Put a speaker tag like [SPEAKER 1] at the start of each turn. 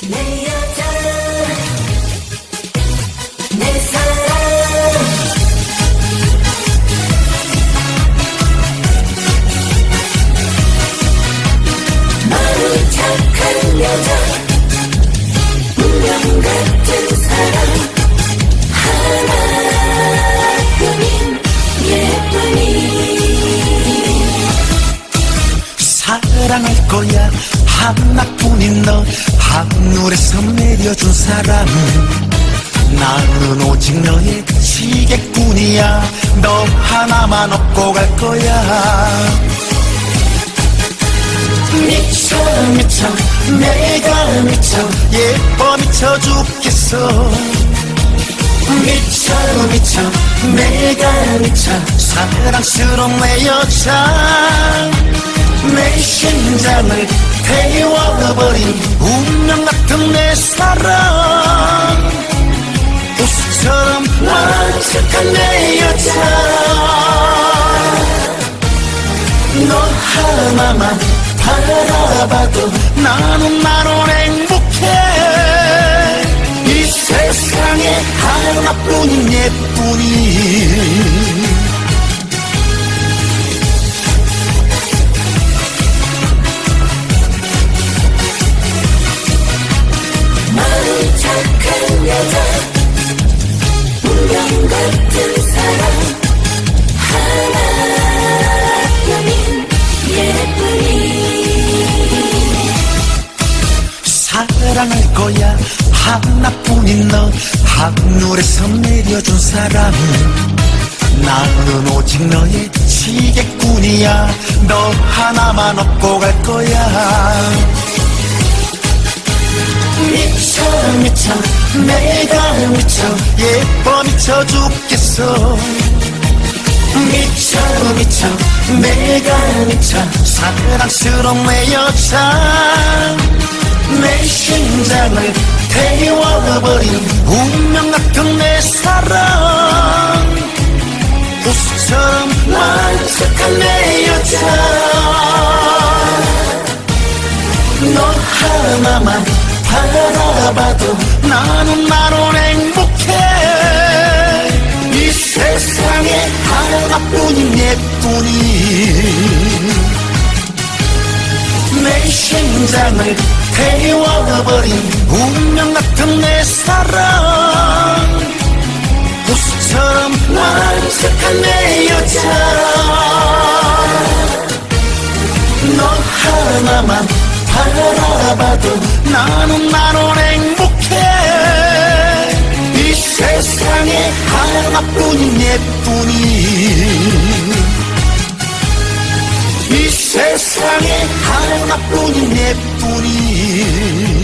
[SPEAKER 1] 내 여자 내 사랑 마음이 착한 여자 운명 같은 사랑 하나뿐인 예쁜이
[SPEAKER 2] 사랑할 거야 하나뿐인 너 하늘에서 내려준 사람 나는 오직 너의 지게꾼이야 너 하나만 얻고 갈 거야 미쳐 미쳐 내가 미쳐 예뻐 미쳐 죽겠어 미쳐 미쳐 내가 미쳐 사랑스러운 내 여자 내 심장을 태워버린 운명 같은 내 사랑 우수처럼 완숙한 내 여자 너 하나만 바라봐도 나는 행복해 이 세상에 하나뿐인 예쁜이
[SPEAKER 1] 마음 착한 여자 운명 같은 사랑 하나뿐인 예쁜이
[SPEAKER 2] 사랑할 거야 하나뿐인 너 하늘에서 내려준 사람 나는 오직 너의 지게꾼이야 너 하나만 얻고 갈 거야 미쳐 미쳐 내가 미쳐 예뻐 미쳐 죽겠어 미쳐 미쳐 내가 미쳐 사랑스러운 내 여자 내 심장을 태워버린 운명 같은 내 사랑 우수처럼 완숙한 내 여자 너 하나만 바라봐도 나는 행복해 이 세상에 하나뿐인 예쁜이 내 심장을 태워버린 운명 같은 내 사랑 우수처럼 완숙한 내 여자 너 하나만 바라봐도 나는 행복해 이 세상에 하나뿐인 예쁜이 이 세상에 하나뿐인 예쁜이